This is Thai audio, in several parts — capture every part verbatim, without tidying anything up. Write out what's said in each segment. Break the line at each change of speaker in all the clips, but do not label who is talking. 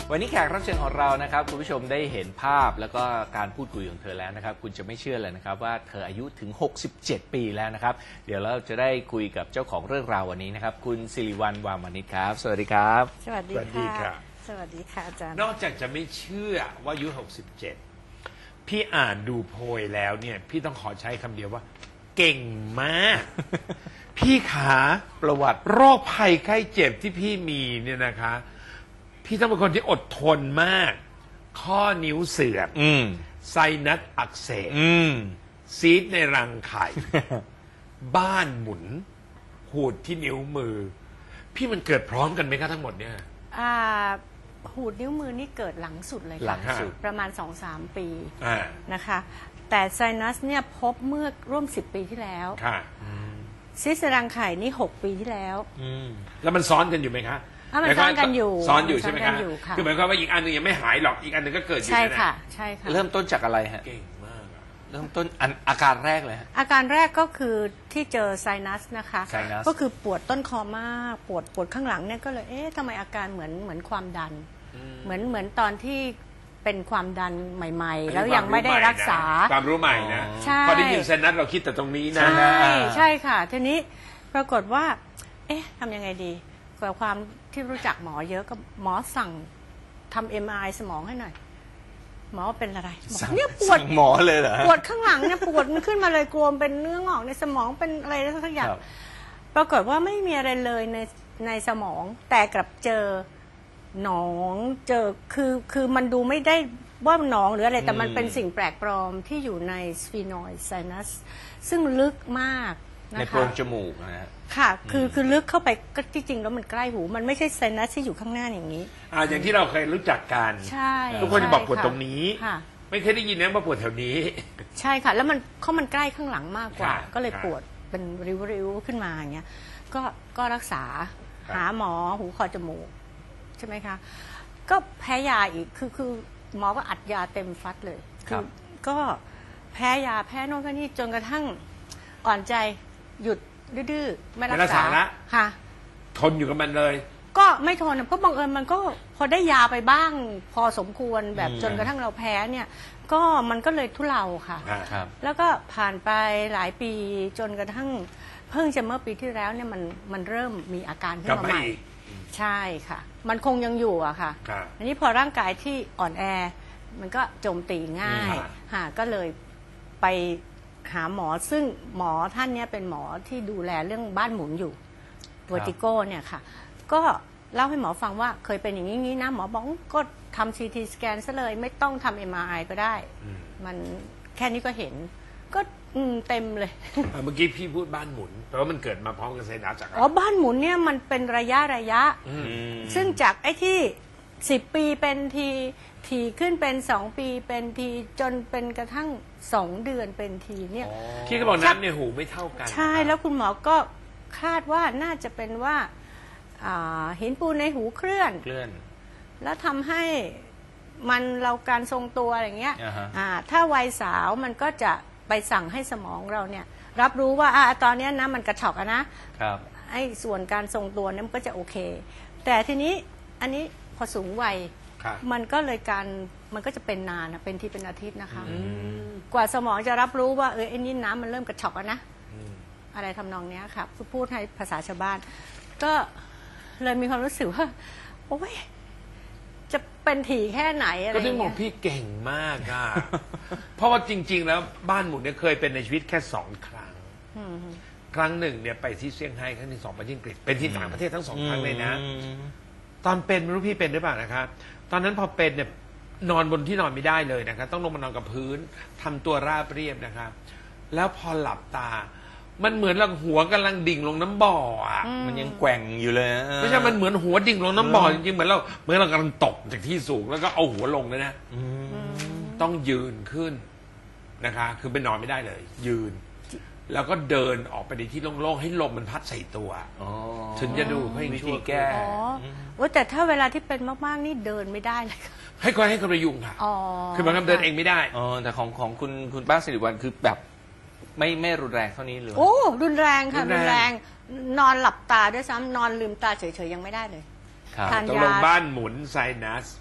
วันนี้แขกรับเชิญของเรานะครับคุณผู้ชมได้เห็นภาพแล้วก็การพูดคุยของเธอแล้วนะครับคุณจะไม่เชื่อเลยนะครับว่าเธออายุถึงหกสิบเจ็ดปีแล้วนะครับเดี๋ยวเราจะได้คุยกับเจ้าของเรื่องราววันนี้นะครับคุณสิริวัลย์ วามนิชครับสวัสดีครับ
สวัสดีค่ะสวัสดีค่ะอาจารย์
นอกจากจะไม่เชื่อว่าอายุหกสิบเจ็ดพี่อ่านดูโพยแล้วเนี่ยพี่ต้องขอใช้คำเดียวว่าเก่งมาก พี่ขา
ประวัติ
โรคภัยไข้เจ็บที่พี่มีเนี่ยนะคะพี่ต้องเป็นคนที่อดทนมากข้อนิ้วเสื่อมไซนัสอักเสบซีสในรังไข่ บ้านหมุนหูดที่นิ้วมือพี่มันเกิดพร้อมกันไหมคะทั้งหมดเนี่ย
อ่าหูดนิ้วมือนี่เกิดหลังสุดเลย
หลังสุด
ประมาณ สองถึงสาม ปีนะคะแต่ไซนัสเนี่ยพบเมื่อร่วมสิบปีที่แล้วซีสในรังไข่นี่หกปีที่แล้ว
แล้วมันซ้อนกันอยู่ไหมคะ
มันซ้อนกันอยู่
ซ้อนอยู่ใช่ไหมคะคือหมายความว่าอีกอันหนึ่งยังไม่หายหรอกอีกอันหนึ่งก็เกิดอยู่
ใช่ค่ะใช่ค่ะ
เริ่มต้นจากอะไรฮะ
เก่งมาก
เริ่มต้นอาการแรกเลย
อาการแรกก็คือที่เจอไซนัสนะคะ
ไซนัส
ก็คือปวดต้นคอมากปวดปวดข้างหลังเนี่ยก็เลยเอ๊ะทำไมอาการเหมือนเหมือนความดันเหมือนเหมือนตอนที่เป็นความดันใหม่ๆแล้วยังไม่ได้รักษา
ความรู้ใหม่นะพอได้ยินไซนัสเราคิดแต่ตรงนี้นะ
ใช่ใช่ค่ะทีนี้ปรากฏว่าเอ๊ะทำยังไงดีกับความที่รู้จักหมอเยอะก็หมอสั่งทำ เอ็ม อาร์ ไอ สมองให้หน่อยหมอเป็นอะไร
เนี่ยปวดหมอเลยเหรอ
ปวดข้างหลังเนี่ยปวดมันขึ้นมาเลยกลัวเป็นเนื้องอกในสมองเป็นอะไรสักอย่างปรากฏว่าไม่มีอะไรเลยในในสมองแต่กลับเจอหนองเจอคือคือมันดูไม่ได้ว่าหนองหรืออะไรแต่มันเป็นสิ่งแปลกปลอมที่อยู่ในสฟีนอยด์ไซนัสซึ่งลึกมาก
ในโพรงจมูกนะฮะ
ค่ะคือคือลึกเข้าไปก็ที่จริงแล้วมันใกล้หูมันไม่ใช่ไซนัสที่อยู่ข้างหน้าอย่างนี้
อ่าอย่างที่เราเคยรู้จักกัน
ใช่
ทุกคนจะบอกปวดตรงนี้ไม่เคยได้ยินนะว่าปวดแถวนี้
ใช่ค่ะแล้วมันเขามันใกล้ข้างหลังมากกว่าก็เลยปวดเป็นริ้วๆขึ้นมาอย่างเงี้ยก็ก็รักษาหาหมอหูคอจมูกใช่ไหมคะก็แพ้ยาอีกคือคือหมอก็อัดยาเต็มฟัดเลยคือก็แพ้ยาแพ้โน่นแพ้นี่จนกระทั่งอ่อนใจหยุดดื้อไม่รักษาค่ะ
ทนอยู่กับมันเลย
ก็ไม่ทนเพราะบังเอิญมันก็พอได้ยาไปบ้างพอสมควรแบบจนกระทั่งเราแพ้เนี่ยก็มันก็เลยทุเลาค่ะแล้วก็ผ่านไปหลายปีจนกระทั่งเพิ่งจะเมื่อปีที่แล้วเนี่ยมันมันเริ่มมีอาการขึ้นมาใหม่ใช่ค่ะมันคงยังอยู่อะค่ะอันนี้พอร่างกายที่อ่อนแอมันก็โจมตีง่ายค่ะก็เลยไปหาหมอซึ่งหมอท่านนี้เป็นหมอที่ดูแลเรื่องบ้านหมุนอยู่เวอร์ติโกเนี่ยค่ะก็เล่าให้หมอฟังว่าเคยเป็นอย่างนี้นะหมอบอกก็ทำซีทีสแกนซะเลยไม่ต้องทำเอ็มอาร์ไอก็ได้มันแค่นี้ก็เห็นก็เต็มเลย
เมื่อกี้พี่พูดบ้านหมุนแปลว่ามันเกิดมาพร้อมกับไซนัสจาก
อ๋อบ้านหมุนเนี่ยมันเป็นระยะระยะซึ่งจากไอ้ที่สิบปีเป็นทีทีขึ้นเป็นสองปีเป็นทีจนเป็นกระทั่งสองเดือนเป็นทีเนี่ย
พี่ก็บอกน้ำในหูไม่เท่ากัน
ใช่แล้วคุณหมอก็คาดว่าน่าจะเป็นว่าหินปูนในหูเคลื่อน
เคลื่อน
แล้วทำให้มันเราการทรงตัวอย่างเงี้ยถ้าวัยสาวมันก็จะไปสั่งให้สมองเราเนี่ยรับรู้ว่าอ่าตอนนี้นะมันกระชอกนะครับไอ้ส่วนการทรงตัวนั้นก็จะโอเคแต่ทีนี้อันนี้พอสูงวัยมันก็เลยการมันก็จะเป็นนานนะเป็นที่เป็นอาทิตย์นะคะกว่าสมองจะรับรู้ว่าเออไอ้นี่น้ำมันเริ่มกระชอกแล้วนะอะไรทำนองนี้ค่ะพูดให้ภาษาชาวบ้านก็เลยมีความรู้สึกว่าโอ้ยจะเป็นถี่แค่ไหนอะไร
ก็ถึงบอกพี่เก่งมากอ่ะเพราะว่าจริงๆแล้วบ้านหมุนเนี่ยเคยเป็นในชีวิตแค่สองครั้งครั้งหนึ่งเนี่ยไปที่เซี่ยงไฮ้ครั้งที่สองไปที่อังกฤษเป็นที่ต่างประเทศทั้งสองครั้งเลยนะตอนเป็นไม่รู้พี่เป็นหรือเปล่านะครับตอนนั้นพอเป็นเนี่ยนอนบนที่นอนไม่ได้เลยนะครับต้องลงมานอนกับพื้นทำตัวราบเรียบนะครับแล้วพอหลับตามันเหมือนเราหัวกำลังดิ่งลงน้ำบ่ออ่ะ
มันยังแกว่งอยู่เลย
ไม่ใช่มันเหมือนหัวดิ่งลงน้ำบ่อจริงๆเหมือนเราเหมือนเรากำลังตกจากที่สูงแล้วก็เอาหัวลงเลยนะต้องยืนขึ้นนะคะคือไปนอนไม่ได้เลยยืนแล้วก็เดินออกไปในที่โล่งๆให้ลมมันพัดใส่ตัวถึงจะดูให้
วิธีแก้
อ๋อแต่ถ้าเวลาที่เป็นมากๆนี่เดินไม่ได้เลย
ให้คนให้คนประยุงค่ะคือมันเดินเองไม่ได้
อ๋อแต่ของของคุณคุณป้าสิริวัลย์คือแบบไม่ไม่รุนแรงเท่านี้เลย
โอ้รุนแรงค่ะรุนแรงนอนหลับตาด้วยซ้ำนอนลืมตาเฉยๆยังไม่ได้เลย
ทานยาบ้านหมุนไซนัส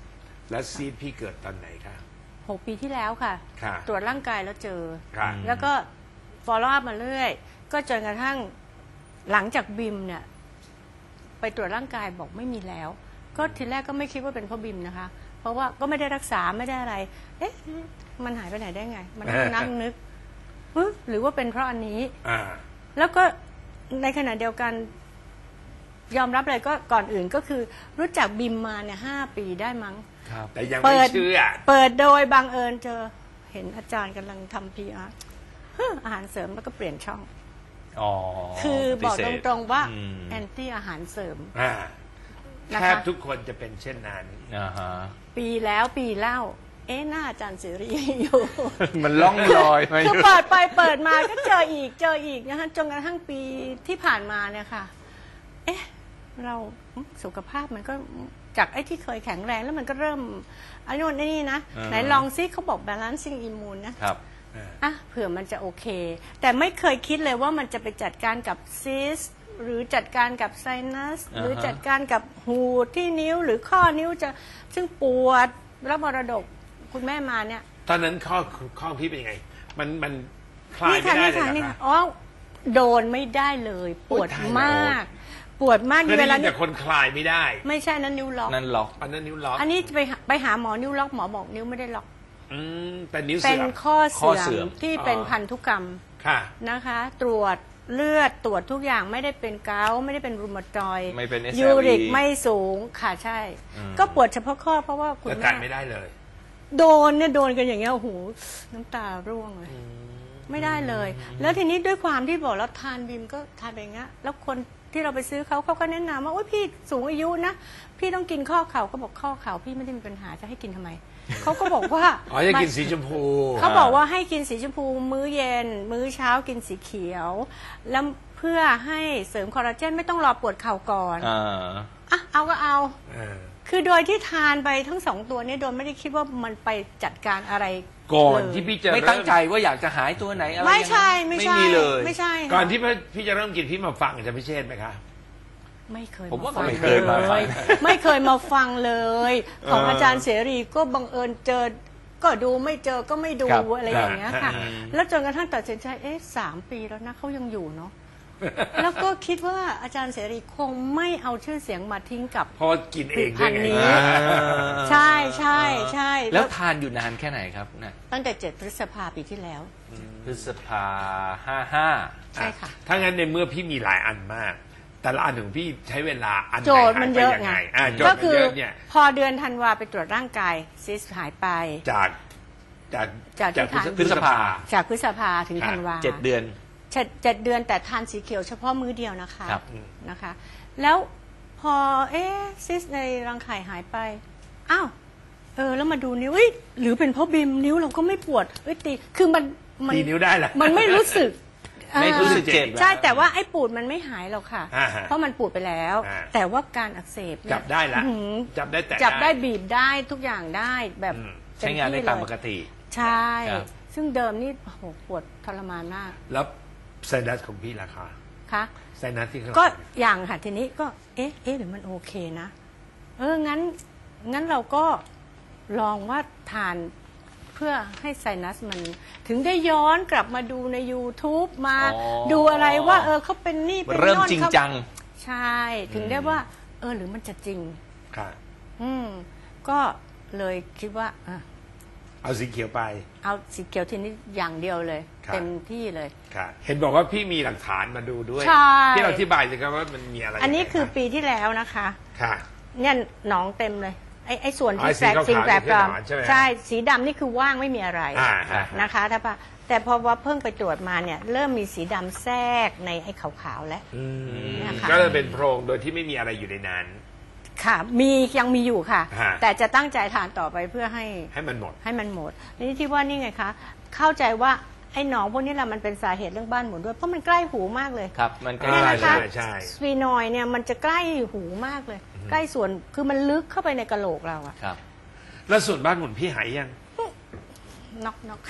แล้วซีดพี่เกิดตอนไหนคะ
หกปีที่แล้วค่ะ
ค่ะ
ตรวจร่างกายแล้วเจอ
ค่ะ
แล้วก็ follow up มาเรื่อย ก็จนกระทั่งหลังจากบิมเนี่ยไปตรวจร่างกายบอกไม่มีแล้ว ก็ทีแรกก็ไม่คิดว่าเป็นเพราะบิมนะคะ เพราะว่าก็ไม่ได้รักษาไม่ได้อะไร เอ๊ะมันหายไปไหนได้ไง มันนั่งนั่งนึกเอ๊ะหรือว่าเป็นเพราะอันนี้
อ่า
แล้วก็ในขณะเดียวกันยอมรับเลยก็ก่อนอื่นก็คือรู้จักบิมมาเนี่ยห้าปีได้มั้ง
ครับ
แต่ยัง
เปิ
ไม่
ด
เชื่อ
เปิดโดยบังเอิญเจอเห็นอาจารย์กำลังทำพีอาร์อาหารเสริมแล้วก็เปลี่ยนช่อง
อ๋อ
คือบอก
พิเศษ
ตรงๆว่า
อืม
แอนตี้อาหารเสริม
อ่า
นะ
แท
คะ
บทุกคนจะเป็นเช่นนั้น
อ่าฮะ
ปีแล้วปีเล่า เอ๊ะหน้าอาจารย์เสรีอยู่
มันล่องลอยมา
คือเปิดไปเปิดมาก็เจออีกเจออีกนะคะจนกระทั่งปีที่ผ่านมาเนี่ยค่ะ เอ๊ะ เราสุขภาพมันก็จากไอ้ที่เคยแข็งแรงแล้วมันก็เริ่มอันนู้นไอ้นี่นะ ไหนลองซิเขาบอก balancing immune นะครับ อ่ะเผื่อมันจะโอเค แต่ไม่เคยคิดเลยว่ามันจะไปจัดการกับซิสหรือจัดการกับไซนัสหรือจัดการกับหูที่นิ้วหรือข้อนิ้วจะซึ่งปวดรับมรดกคุณแม่มาเนี่ย
ตอนนั้นข้อข้อพี่เป็นยังไง มันมันคลาย
นี่
ไม่
ค่ะ
ได้
นี่
เลย
ค่ะ
เหร
นี่
อ
ค่ะ
คะ
อ๋อโดนไม่ได้เลย ปวด
โอ้ยตายแล้ว
มาก ปวดมาก
เคย
เว
ได้
ลา
ยิน
นี้
แต่คนคลายไม่ได้
ไม่ใช่นั้นนิ้วล็อก
นั่นล็อก
อันนั้นนิ้วล็อก
อันนี้ไปหาไปหาหมอนิ้วล็อกหมอบอกนิ้วไม่ได้ล็อก
อืมแต่นิ้ว
เป็
เสื่
น
อม
ข้อ
ข้อเสื่
เสื่
อ
อ
ม
มที่เป็น
อ๋อ
พันธุกรรม
ค่ะ
นะคะ ตรวจเลือดตรวจทุกอย่างไม่ได้เป็นเกาต์ไม่ได้เป็นรูมาตอยด์
ไม่เป็น เอส แอล อี
ยูริกไม่สูงค่ะใช่
อืม
ก็ปวดเฉพาะข้อเพราะว่าคุณ
แต่
แม่
การไม่ได้เลย
โดนเนี่ยโดนกันอย่างเงี้ยโอ้โหน้ำตาร่วงเลยไม่ได้เลย แล้วทีนี้ด้วยความที่บอกแล้วทานบิมก็ทานไปอย่างเงี้ยแล้วคนที่เราไปซื้อเขาเขาก็แนะนำว่าโอ้ยพี่สูงอายุนะพี่ต้องกินข้อเข่าก็บอกข้อเข่าพี่ไม่ได้มีปัญหาจะให้กินทำไม เขาก็บอกว่า
อ๋อจะกินสีชมพู
เขาบอกว่าให้กินสีชมพูมื้อเย็น มื้อเช้ากินสีเขียว แล้วเพื่อให้เสริมคอลลาเจนไม่ต้องรอปวดเข่าก่อน
อ่า
อ่ะเอาก็เอา
เออ
คือโดยที่ทานไปทั้งสองตัวเนี้โดยไม่ได้คิดว่ามันไปจัดการอะไร
ก่อน
เลย
ที่พี่จะ
ไม่
เริ่
ตั้งใจว่าอยากจะหายตัวไหนอะไร
ไม่ใช่
ยังง
ไม่
ไม่
ใช่
มีเลย
ไม่ใช่ค่ะ
ก่อนที่พี่จะเริ่มกินพี่มาฟังอาจารย์พิเชษฐ์ไหมคะ
ไม่เคย
ผมว่า
ฟัง
ไม่เคยมาฟัง
ไม่เคยมาฟังเลย ของอาจารย์เสรีก็บังเอิญเจอก็ดูไม่เจอก็ไม่ดู
ครับ
อะไรอย่างเงี้ยค่ะ
อืม
แล้วจนกระทั่งตัดสินใจเอ๊ะสามปีแล้วนะเขายังอยู่เนาะ แล้วก็คิดว่าอาจารย์เสรีคงไม่เอาชื่อเสียงมาทิ้งกับ
เพราะว่ากินเองด้วยไง
ผลิตภัณฑ์นี้ ใช่ใช่ใช่
แล้วทานอยู่นานแค่ไหนครับนะ
ตั้งแต่เจ็ดพฤษภาปีที่แล้ว
พฤษภาห้าห้า
ใช่ค่ะ
ถ้างั้นในเมื่อพี่มีหลายอันมาก แต่ละอันของพี่ใช้เวลาอันไหน
โจทย์มันเยอะ
หาป
ไง
อ่าโจท
ก็
ย์มัน
คือ
เยอะเนี่ย
พอเดือนธันวาไปตรวจร่างกายซิสหายไป
จากจาก
จากที่
จาก
ทาน
พฤษภา
จากพฤษภาถึง
ครับ
ธันวา
เจ็ดเดือน
เจ็ดเจ็ดเดือนแต่ทานสีเขียวเฉพาะมื้อเดียวนะคะ
ครับ
นะคะ แล้วพอเอ๊ะซิสในรังไข่หายไปอ้าวเออแล้วมาดูนิ้วเอ้ยหรือเป็นเพราะบิมนิ้วเราก็ไม่ปวดเอ้ยตีคือมันมั
ตีนิ้วได้แหละ
มันไม่รู้สึก
ไม่รู้สึกเจ็บ
ใช่แต่ว่าไอ้ปูดมันไม่หายหรอกค่ะ
อ่าฮะ
เพราะมันปูดไปแล้ว
อ่า
แต่ว่าการอักเสบเนี่ย
จับได้ละ
อื้อหือ
จับได้แต่
จับได้บีบได้ทุกอย่างได้แบบ
อืม
ใช้งานได้
เที่
ตาม
เลย
ปกติ
ใช่
ครับ
ซึ่งเดิมนี่โอ้โหปวดทรมานมาก
แล้วไซนัสของพี่ราคา
ค่ะ
ไซนัสที่เขา
ก็อย่างค่ะทีนี้ก็เอ๊ะเอ๊ะหรือมันโอเคนะ เอองั้นงั้นเราก็ลองว่าทานเพื่อให้ไซนัสมันถึงได้ย้อนกลับมาดูใน YouTube มา
อ๋อ
ดูอะไรว่าเออเขาเป็นนี่เป็น
เริ่ม
โน่น
จริง
เขา
จัง
ใช่ ถึงได้ว่า เออหรือมันจะจริง
ค่ะ
อืมก็เลยคิดว่าอ่ะ
เอาสีเขียวไป
เอาสีเขียวทีนี้อย่างเดียวเลย
ครับ
เต็มที่เลย
ค่ะ เห็นบอกว่าพี่มีหลักฐานมาดูด้วย
ใช่
ที่เราอธิบายสิครับว่ามันมีอะไร
อันนี้คือ
ยังไง
ปีที่แล้วนะคะ
ค่ะ
เนี่ยหนองเต็มเลยไอ้ไอ้ส่วน
อ๋อ
ที่
ไอ้
แปลก
สี
สิ่ง
ขาวๆ
แปลกปลอม
นี่คือหนอนใช่ไหม
ใช่สีดำนี่คือว่างไม่มีอะไร
อ่าอ่า
นะคะถ้าปะแต่พอว่าเพิ่งไปตรวจมาเนี่ยเริ่มมีสีดำแทรกในไอ้ขาวๆแล้ว
อืม
นะคะ
ก็เลยเป็นโพรงโดยที่ไม่มีอะไรอยู่ในนั้น
ค่ะ มียังมีอยู่ค่ะ
ฮะ
แต่จะตั้งใจทานต่อไปเพื่อให้
ให้มันหมด
ให้มันหมดนี่ที่ว่านี่ไงคะเข้าใจว่าไอ้หนองพวกนี้แหละมันเป็นสาเหตุเรื่องบ้านหมุนด้วยเพราะมันใกล้หูมากเลย
ครับ มันใก
เนี่ย
ล้
นะคะ
ๆเลย
ใช่
สฟีนอยด์เนี่ยมันจะใกล้หูมากเลย ใกล้ส่วนคือมันลึกเข้าไปในกะโหลกเราอะ
ครับ
แล้วส่วนบ้านหมุนพี่หายยัง
น็อกน็อก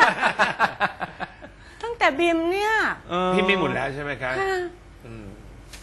ตั้งแต่บิมเนี่ย
พี่ไม่หมุนแล้วใช่ไหมคะ
ค่ะ
อืม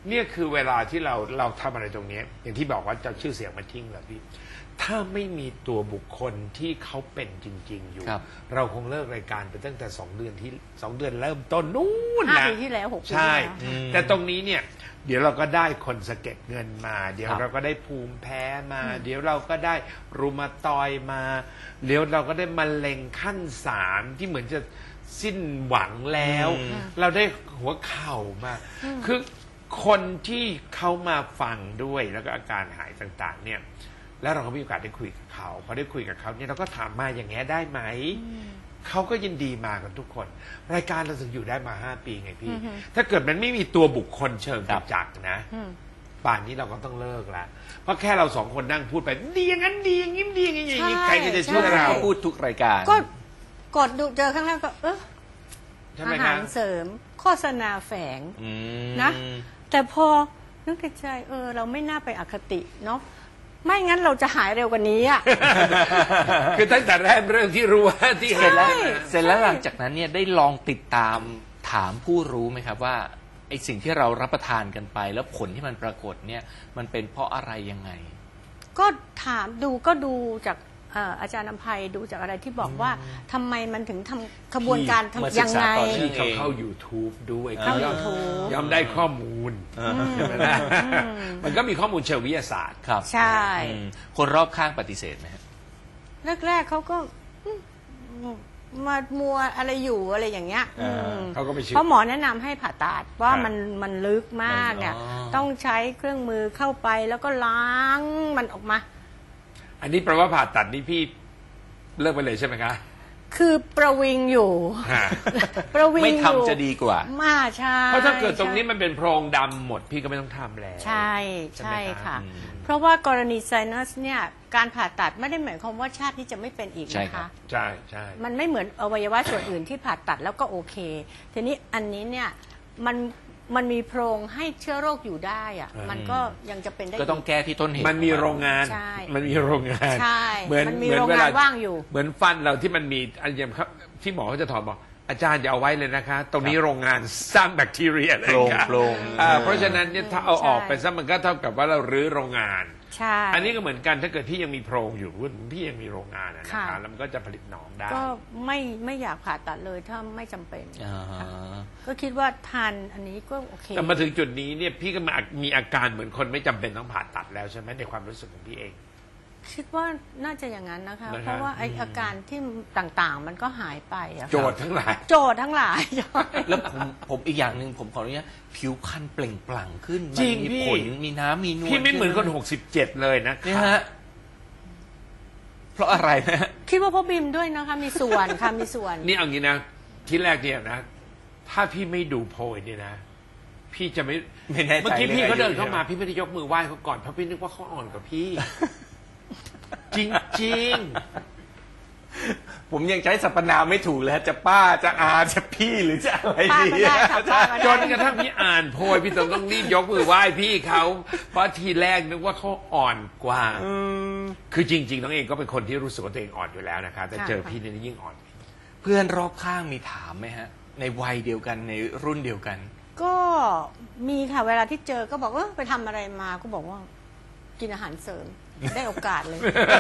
เนี่ยคือเวลาที่เราเราทำอะไรตรงนี้อย่างที่บอกว่าจะชื่อเสียงมาทิ้งเหรอพี่ถ้าไม่มีตัวบุคคลที่เขาเป็นจริงๆอยู่ เราคงเลิกรายการไปตั้งแต่สองเดือนที่สองเดือนเริ่มต้นนู่น
ห้า
นะ
ปีที่แล้วหกปีที่
ใช่
แล้ว
แต่ตรงนี้เนี่ยเดี๋ยวเราก็ได้คนสะเก็ดเงินมา เดี๋ยว
ครับ
เราก็ได้ภูมิแพ้มา เดี๋ยวเราก็ได้รูมาตอยมาเดี๋ยวเราก็ได้มะเร็งขั้นสามที่เหมือนจะสิ้นหวังแล้ว เราได้หัวเข่ามา คือคนที่เขามาฟังด้วยแล้วก็อาการหายต่างๆ เนี่ย แล้วเราก็มีโอกาสได้คุยกับเขาพอได้คุยกับเขาเนี่ยเราก็ถามมาอย่างเงี้ยได้ไหมเขาก็ยินดีมากันทุกคน รายการเราถึงอยู่ได้มาห้าปีไงพี่ ถ้าเกิดมันไม่มีตัวบุคคลเชิงประจักษ์นะ
อืม
ป่านนี้เราก็ต้องเลิกละเพราะแค่เราสองคนนั่งพูดไปดีอย่างนั้นดีอย่างนี้ดีอย่างนี้อย่างนี้ใครก็จะเชื่อเรา
เขาพูดทุกรายการ
ก็กดดูเจอครั้งแรกก็เออ
ใช่ไหม
อา
ค
หา
รับ
รเสริมโฆษณาแฝง
อืม
นะ แต่พอนึกในใจเออ เราไม่น่าไปอคติเนาะไม่งั้นเราจะหายเร็วกว่านี้อ่ะ
คือตั้งแต่แรกเรื่องที่รู้ว่าที่
เส
เห็
ร็
น
จแล้ว
ใช่
เสร็จแล้วหลังจากนั้นเนี่ยได้ลองติดตามถามผู้รู้ไหมครับว่าไอ้สิ่งที่เรารับประทานกันไป แล้วผลที่มันปรากฏเนี่ยมันเป็นเพราะอะไรยังไง
ก็ถามดูก็ดูจากเอ่ออาจารย์นภัยดูจากอะไรที่บอกว่าทำไมมันถึงทำขบวนการ
มา
ทำ
ศึ
ยั
ก
ง
ษา
ไง
ต่อเนื่
ที่
อง
เขาเข้า YouTube ด้วย
เข้า
ย่อม
YouTube
ย่อมได้ข้อมูลใช่ไหมล่ะมันก็มีข้อมูลเชิงวิทยาศาสตร์
ครับ
ใช่
อืมคนรอบข้างปฏิเสธไหมครับ
แรกๆเขาก็อืมมามัวอะไรอยู่อะไรอย่างเงี้ย
อ่า
อืม
เขาก็ไม่เชื่อ
เพราะหมอแนะนำให้ผ่าตัดว่า
ครับ
มันมันลึกมากเนี่ย
อ๋อ
ต้องใช้เครื่องมือเข้าไปแล้วก็ล้างมันออกมา
อันนี้แปลว่าผ่าตัดนี่พี่เลิกไปเลยใช่ไหมคะ
คือประวิงอยู่
ฮะ
ประวิง
ไม่
อยู่
ทำจะดีกว่า
มาใช่
เพราะถ้าเกิดตรงนี้มันเป็นโพรงดำหมดพี่ก็ไม่ต้องทำแล้ว
ใช่
ใช่ไหม
ใช่
ครับ
ค่ะ
อืม
เพราะว่ากรณีไซนัสเนี่ยการผ่าตัดไม่ได้หมายความว่าชาตินี้จะไม่เป็นอีก
ใช่
นะ
ครั
คะ
บ
ใช่ใช่
มันไม่เหมือนอวัยวะส่วนอื่นที่ผ่าตัดแล้วก็โอเค ทีนี้อันนี้เนี่ยมันมันมีโพรงให้เชื้อโรคอยู่ได้อะมันก็ยังจะเป็นได้
ก็ต้องแก้ที่ต้นเหตุ
มันมีโรงงาน
ใช่
มันมีโรงงาน
ใช่
เหมือน
มันมี
เหมือน
โรง
เว
งา
ลาน
ว่างอยู่
เหมือนฟันเราที่มันมีอันอย่างครับที่หมอเขาจะถอนบอกอาจารย์อย่าเอาไว้เลยนะคะ ตรงนี้โรงงานสร้างแบคทีเรียเลย
โปร่ง
ค่ะ
โปร่ง
อ่าเพราะฉะนั้นเนี่ยถ้าเอาออก
ใช่
ไปซะมันก็เท่ากับว่าเรารื้อโรงงาน
ใช่
อันนี้ก็เหมือนกันถ้าเกิดพี่ยังมีโพรงอยู่พี่ยังมีโรงงานอะนะ
ค่ะ
คะแล้วมันก็จะผลิตหนองได้
ก็ไม่ไม่อยากผ่าตัดเลยถ้าไม่จำเป็น
อ่าฮะ
ก็คิดว่าทานอันนี้ก็โอเค
แต่มาถึงจุดนี้เนี่ยพี่ก็มามีอาการเหมือนคนไม่จำเป็นต้องผ่าตัดแล้วใช่ไหมในความรู้สึกของพี่เอง
คิดว่าน่าจะอย่างนั้นนะคะ
นะครับ
เพราะว่าไออาการที่ต่างๆ มันก็หายไปอะ
โจทย์ทั้งหลาย
โจทย์ทั้งหลาย
แล้วผมผมอีกอย่างหนึ่งผมขออนุญาตผิวพรรณเปล่งปลั่งขึ้นมั
จริง
มี
พี่
ผลมีน้ำมีนวล
พี่ไม่เหมือนคนหกสิบเจ็ดเลยนะ
นี่ฮะเพราะอะไรนะ
คิดว่าพ่อบิมด้วยนะคะ มีส่วนค่ะมีส่วน
นี่เอางี้นะที่แรกเนี่ยนะ ถ้าพี่ไม่ดูโพยเนี่ยนะ พี่จะไม่
ไม่แน่ใจ
เมื่อกี้พี่เขาเดินเข้ามา
ใช่ไห
พี่ไม่ได้ยกมือไหว้เขาก่อนเพราะพี่นึกว่าเขาอ่อนกว่าพี่ จริง
ผมยังใช้สรรพนามไม่ถูกเลยฮะจะป้าจะอาจะพี่หรือจะอะไร
ป้า
ดี
ก็ได้ค่ะป้าก็
ๆ
ได้
จนกระทั่งพี่อ่านโพยพี่ต้องต้องรีบยกมือไหว้พี่เขาเพราะทีแรกนึกว่าเขาอ่อนกว่า
อืม
คือจริง ๆ น้องเองก็เป็นคนที่รู้สึกว่าตัวเองอ่อนอยู่แล้วนะคะแต่เจอพี่เนี่ยยิ่งอ่อน
เพื่อนรอบข้างมีถามไหมฮะ ในวัยเดียวกันในรุ่นเดียวกัน
ก็มีค่ะเวลาที่เจอก็บอกเออไปทำอะไรมาก็บอกว่า กินอาหารเสริมได้โอกาสเลย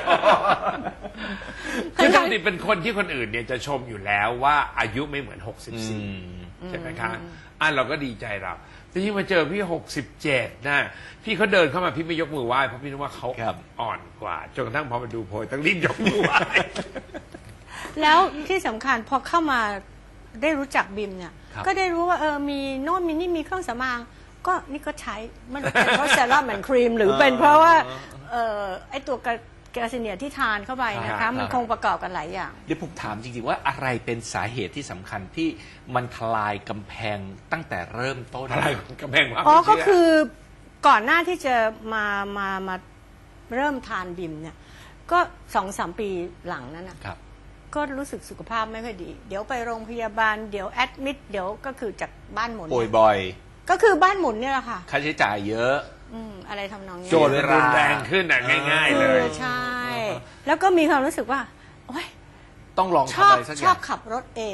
คือปกติเป็นคนที่คนอื่นเนี่ยจะชมอยู่แล้วว่าอายุไม่เหมือนหกสิบ
อื
สี่
ม
ใช่ไหมคะอ่ะเราก็ดีใจเราแต่ที่มาเจอพี่หกสิบเจ็ดนะพี่เขาเดินเข้ามาพี่ไม่ยกมือไหว้เพราะพี่นึกว่าเขา
ครับ
อ่อนกว่าจนกระทั่งพอมาดูโพยต้องรีบยกมือไหว้
แล้วที่สำคัญพอเข้ามาได้รู้จักบิมเนี่ย
ครับ
ก็ได้รู้ว่าเออมีโน่นมีนี่มีเครื่องสำอางก็นี่ก็ใช้มันเป็นเพราะเซรั่มแอนด์ครีมหรือเป็นเพราะว่าเออไอตัวกระกาซิเนียที่ทานเข้าไปนะ
ครั
คะ
บ
มันคงประกอบกันหลายอย่าง
เดี๋ยวผมถามจริงๆว่าอะไรเป็นสาเหตุที่สำคัญที่มันทลายกำแพงตั้งแต่เริ่มต้น
อะไรกำแพงว่า
อ๋อ
ไม่
ก็
เชื่
คือก่อนหน้าที่จะมามามาเริ่มทานบิมเนี่ย ก็สองสามปีหลังนั้นนะครับ ก็รู้สึกสุขภาพไม่ค่อยดี เดี๋ยวไปโรงพยาบาลเดี๋ยวแอดมิดเดี๋ยวก็คือจากบ้านหมุน
ป่วยบ่อย
ก็คือบ้านหมุนเนี่ยแหละค่ะ
ค่าใช้จ่ายเยอะ
อืมอะไรทำนองนี้
โจทย์มันรุนแรงขึ้นอ่ะง่าย ๆ เลย
ออใช่ แล้วก็มีความรู้สึกว่าโอ๊ย
ต้องลอง
ช
ทำ
อบ
อะไรสักอ
ชอย่าง บขับรถเอง
อ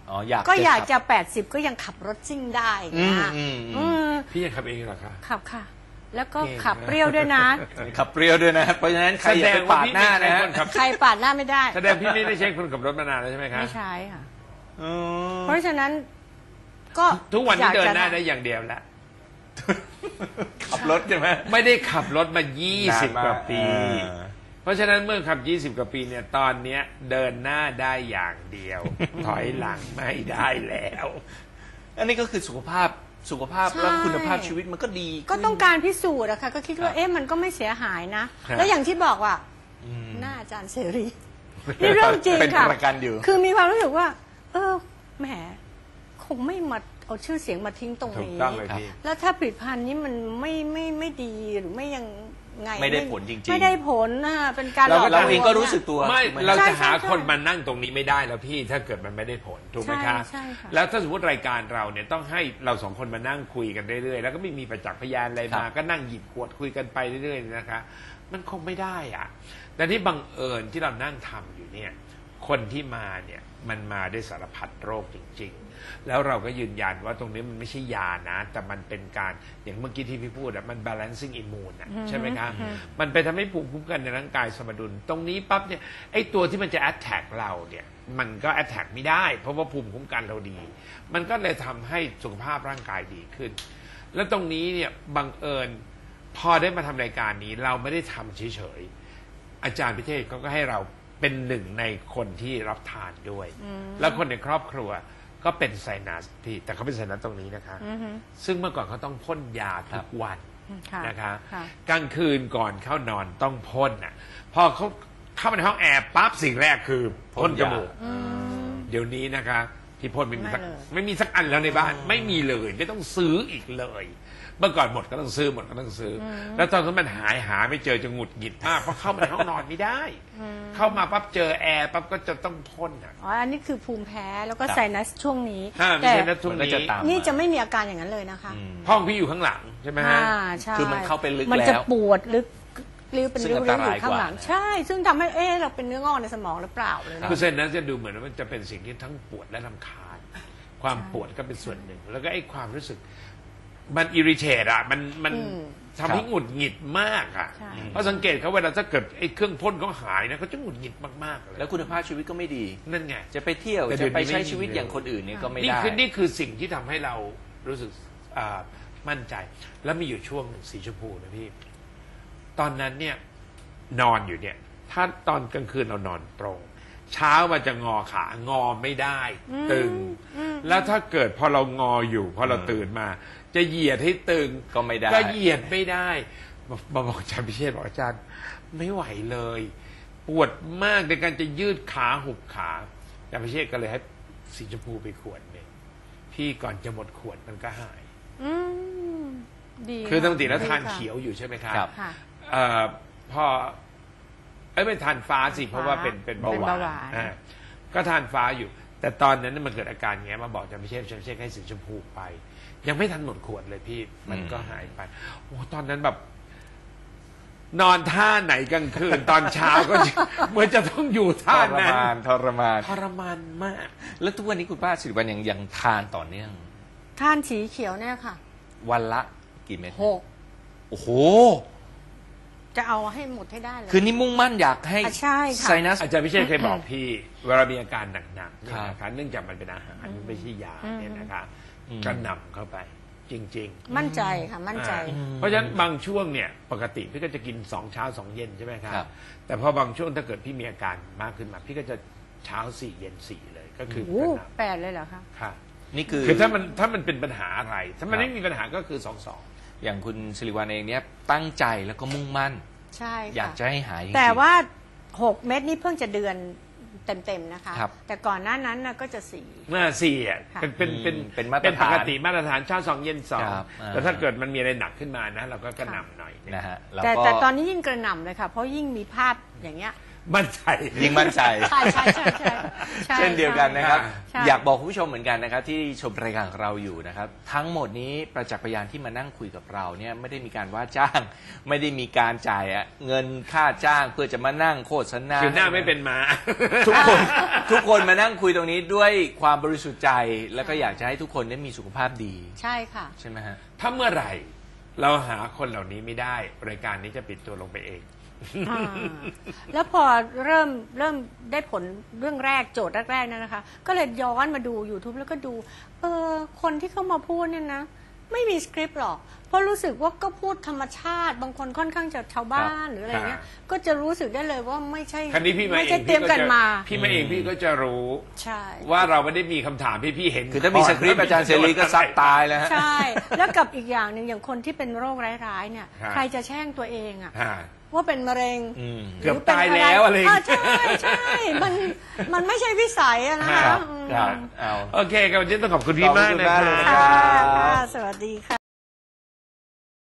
อ๋ออยาก
ก็อยาก
ขับ
จะแปดสิบก็ยังขับรถซิ่งได้
อืม
นะ
อืมอืม
อืม
พี่ยังขับเองเหรอคะ
ขับค่ะ แล้วก็
เก่ง
ขับเปรี้ยวด้วยนะ
ขับเปรี้ยวด้วยนะเพราะฉะนั้นใครอย่าไปปาดหน้านะฮะ
ขับ
ใครปาดหน้าไม่ได้
แสดงพี่ไม่ได้ใช้คนขับรถมานานแล้วใช่ไหมคะ
ไม่ใช่ค่ะ
อืม
เพราะฉะนั้นก็
ทุกวันนี้
อยา
เดิน
จะ
หน้าได้อย่างเดียวแล้ว
ขับรถใช่ไหม
ไม่ได้ขับรถมายี่สิบ
นานมาก
กว่าปี
อ่า
เพราะฉะนั้นเมื่อขับยี่สิบกว่าปีเนี่ยตอนเนี้ยเดินหน้าได้อย่างเดียว ถอยหลังไม่ได้แล้ว
อันนี้ก็คือสุขภาพสุขภาพ
ใช่
แล้วคุณภาพชีวิตมันก็ดี
ก็
ขึ้น
ต้องการพิสูจน์อะค่ะก็คิดว่า
ครับ
เอ๊ะมันก็ไม่เสียหายนะ
ครับ
แล้วอย่างที่บอกว่า
อืม
หน้าอาจารย์เสรีนี่เรื่องจริง
เป็น
ค่ะ
ประกันอยู่
คือมีความรู้สึกว่า เออแหมคงไม่มาเอาชื่อเสียงมาทิ้งตรง
ถูก
นี้
ต้องเลยพี่
แล้วถ้าผลิตภัณฑ์นี้มันไม่ไม่ไม่ดีหรือไม่ยังไง
ไม่ได้ผลจริงๆ
ไม่ได้ผลนะเป็นการหล
เรา
อก
ก็
ล
เรา
วง
เองก็
นี่ย
รู้สึกตัว
ไม่
ถูกห
เรา
ใช่
จะหา
ใช่
คนมานั่งตรงนี้ไม่ได้แล้วพี่ถ้าเกิดมันไม่ได้ผลถูกไหมคะ
ใช่ใช่ค่ะ
แล้วถ้าสมมติรายการเราเนี่ยต้องให้เราสองคนมานั่งคุยกันเรื่อยๆแล้วก็ไม่มีประจักษ์พยานอะไรมา
ครับ
ก็นั่งหยิบขวดคุยกันไปเรื่อยๆนะคะ มันคงไม่ได้อ่ะแต่ที่บังเอิญที่เรานั่งทำอยู่เนี่ยคนที่มาเนี่ยมันมาด้วยสารพัดโรคจริง ๆ แล้วเราก็ยืนยันว่าตรงนี้มันไม่ใช่ยานะ แต่มันเป็นการอย่างเมื่อกี้ที่พี่พูดอะมัน balancing immune อะใช่ไหมคะมันไปทำให้ภูมิคุ้มกันในร่างกายสมดุล ตรงนี้ปั๊บเนี่ยไอ้ตัวที่มันจะ attack เราเนี่ยมันก็ attack ไม่ได้ เพราะว่าภูมิคุ้มกันเราดี มันก็เลยทำให้สุขภาพร่างกายดีขึ้น แล้วตรงนี้เนี่ยบังเอิญพอได้มาทำรายการนี้เราไม่ได้ทำเฉยๆอาจารย์พิเทศเขาก็ให้เราเป็นหนึ่งในคนที่รับทานด้วย แล้วคนในครอบครัวก็เป็นไซนัสพี่แต่เขาเป็นไซนัสตรงนี้นะคะ
อือฮึ
ซึ่งเมื่อก่อนเขาต้องพ่นยาทุกวัน
ค่ะ
นะคะ
ค่ะ
กลางคืนก่อนเข้านอนต้องพ่นอ่ะพอเขาเข้ามาในห้องแอร์ปั๊บสิ่งแรกคือพ่นจมูก
อืม
เดี๋ยวนี้นะคะที่พ่นไม่มีสัก
ไม่เลย
ไม่มีสักอันแล้วในบ้านไม่มีเลยไม่ต้องซื้ออีกเลย เมื่อก่อนหมดก็ต้องซื้อหมดก็ต้องซื้ออแล้วตอนนั้นมันหายหาไม่เจอจะหงุดหงิดมากเพราะเข้ามาในห้องนอนไม่ได้ เข้ามาปั๊บเจอแอร์ปั๊บก็จะต้องพ่นอ่ะ
อ๋ออันนี้คือภูมิแพ้แล้วก็
ครับ
ไซนัสช่วงนี้
ถ้าไม่
แต่
ใช่นะทุก
มันก็
นี้
จะตาม
นี่จะไม่มีอาการอย่างนั้นเลยนะคะ
อืม
ห้องพี่อยู่ข้างหลังใช่ไหมฮะ
อ่าใช่
คือมันเข้าไปลึก
มันจะ
แล้ว
ปวดลึกริ้วเป็น
ซึ่ง
ริ้ว
อันต
ๆอ
ราย
ยู่ข้างหลัง
กว่านะ
ใช่ ซึ่งทำให้เอ๊ะเราเป็นเนื้องอกในสมองหรือเปล่าเลยนะ
คือเส้นนั้นจะดูเหมือนว่ามันจะเป็นสิ่งที่ทั้งปวดและรำคาญ ความปวดก็เป็นส่วนหนึ่ง แล้วก็ไอ้ความรู้สึก มันอิริเทตอ่ะมันมัน
อืม
ทำให้หงุดหงิดมากอ่ะ
ใช่
เพราะสังเกตเขาเวลาถ้าเกิดไอ้เครื่องพ่นเขาหายนะเขาจะหงุดหงิดมากๆเลย
แล้วคุณภาพชีวิตก็ไม่ดี
นั่นไง
จะไปเที่ยว
แต่เดี๋
จะ
ยวนี้
ไปใช้
ไม่มี
ชีวิต
เลย
อย่างคนอื่นเนี่ยก็ไม่
นี่
ได้
คือนี่คือสิ่งที่ทำให้เรารู้สึกอ่ามั่นใจ แล้วมีอยู่ช่วงหนึ่งสีชมพูนะพี่ ตอนนั้นเนี่ยนอนอยู่เนี่ย ถ้าตอนกลางคืนเรานอนตรง เช้ามาจะงอขางอไม่ได้ ตึง แล้วถ้าเกิดพอเรางออยู่พอเราตื่นมา จะเหยียดให้ตึง
ก็ไม่ได้
ก็เหยียดไม่ได้มาบอกอาจารย์พิเชษบอกอาจารย์ไม่ไหวเลย ปวดมากในการจะยืดขาหุบขาอาจารย์พิเชษก็เลยให้สีชมพูไปขวดหนึ่งพี่ก่อนจะหมดขวดมันก็หาย
อืมดี
คือปกติแล้ว
ดี
ทาน
ค่ะ
เขียวอยู่ใช่ไหมครับ
ครับ
ค่ะ
เอ่อพอเอ้ยไม่ทานฟ้าสิเพราะว่าเป็นเป็นเบา
เป็น
หวา
เบาหวาน
นอ่าก็ทานฟ้าอยู่ แต่ตอนนั้นมันเกิดอาการอย่างเงี้ยมาบอกอาจารย์พิเชษอาจารย์พิเชษให้สีชมพูไป ยังไม่ทันหมดขวดเลยพี่มันก็หายไปโอ้ตอนนั้นแบบ นอนท่าไหนกลางคืน ตอนเช้าก็ เหมือนจะต้องอยู่
ท
ท่าร นั้น
มานทรมาน
ทรมานมาก
แล้วทุกวันนี้คุณป้าสิริวัลยังยังทานต่อเนื่อง
ทานสีเขียวเนี่ยค่ะ
วันละกี่เม็ด
หก
โอ้โห
จะเอาให้หมดให้ได้เลย
คือนี่มุ่งมั่นอยากให้
อ่ะใช่ค่ะ
ไซนัส
อาจารย์พิเชษเคยบอกพี่ เวลามีอาการหนักๆเนี่ย
ครับ
นะคะเนื่องจากมันเป็นอาหารไม่ใช่ยาเนี่ยนะคะ
อืม
ก็นำเข้าไป จริง ๆ
มั่นใจค่ะ มั่นใจ
อ่าเพราะฉะนั้นบางช่วงเนี่ยปกติพี่ก็จะกินสองเช้าสองเย็นใช่ไหมครับ
ครับ
แต่พอบางช่วงถ้าเกิดพี่มีอาการมากขึ้นมา พี่ก็จะเช้าสี่เย็นสี่เลยก็คือ
โอ้
กระหน่
แปดเลยเหรอคะ
ำค่ะ
นี่คือ
คือถ้ามันถ้ามันเป็นปัญหาอะไร ถ้ามัน
ครับ
ไม่มีปัญหาก็คือสองสอง
อย่างคุณสิริวัลเองเนี่ยตั้งใจแล้วก็มุ่งมั่น
ใช่ค่ะ
อยากจะให้หายจริงๆ
แต่ว่าหกเม็ดนี่เพิ่งจะเดือนเต็มๆนะคะ
ครับ
แต่ก่อนหน้านั้นน่ะก็จะสี่
เมื่อสี่อ่ะ
ค่ะ
เป็นเป็นเป็น
อืมเป็นมาตรฐาน
ปกติมาตรฐานเช้าสองเย็นสอง
ครับอ่า
แต่ถ้าเกิดมันมีอะไรหนักขึ้นมานะ เราก็กระหน่ำหน่อย
นะฮะแล้ว
แต่
ก็
แต่ตอนนี้ยิ่งกระหน่ำเลยค่ะ เพราะยิ่งมีภาพอย่างเงี้ย
มั่นใจ
ยิ่งมั่นใจ
ใช่ใช่ใช่ใช่ใช่
เช่นเดียวกันนะครับ
ใช่
อยากบอกคุณผู้ชมเหมือนกันนะครับที่ชมรายการของเราอยู่นะครับทั้งหมดนี้ประจักษ์พยานที่มานั่งคุยกับเราเนี่ยไม่ได้มีการว่าจ้าง ไม่ได้มีการจ่ายเงินค่าจ้างเพื่อจะมานั่งโฆษณา
คือหน้าไม่เป็นม้า
ทุกคนทุกคนมานั่งคุยตรงนี้ด้วยความบริสุทธิ์ใจ แล้วก็อยากจะให้ทุกคนได้มีสุขภาพดี
ใช่ค่ะ
ใช่ไหมฮะ
ถ้าเมื่อไหร่เราหาคนเหล่านี้ไม่ได้รายการนี้จะปิดตัวลงไปเอง
อ่าแล้วพอเริ่มเริ่มได้ผลเรื่องแรกโจทย์แรกๆนั่นนะคะ ก็เลยย้อนมาดู YouTube แล้วก็ดูเออคนที่เข้ามาพูดเนี่ยนะ ไม่มีสคริปต์หรอก เพราะรู้สึกว่าก็พูดธรรมชาติ บางคนค่อนข้างจะชาวบ้านหรืออะไรเงี้ย ก็จะรู้สึกได้เลยว่าไม่ใช่
ครั้นี้พี่มา
ไม่
เอ
ใช่
ง
เตรียมกันมา
พี่มาเองพี่ก็จะรู้
ใช่
ว่าเราไม่ได้มีคำถามพี่พี่เห็น
คือถ้ามีสคริปต์อาจารย์เสรีก็ซักตายแล้วฮะ
ใช่ แล้วกับอีกอย่างหนึ่งอย่างคนที่เป็นโรคร้ายๆเนี่ย
ฮะ
ใครจะแช่งตัวเองอะ
ฮะ
ว่าเป็นมะเร็ง
อืม
เกือบตายแล้วอะไรอย่างเงี้ย
าใช่ใช่มันมันไม่ใช่วิสัยอะนะ
ครั
คะ
บ
อืม
ครับเอา
โอเคกับวันนี้ต้องขอบคุณพี่มากนะ
ขอบคุณมากเลยนะ
ค
ครั
รับ
ค่ะค่ะสวัสดีค่ะ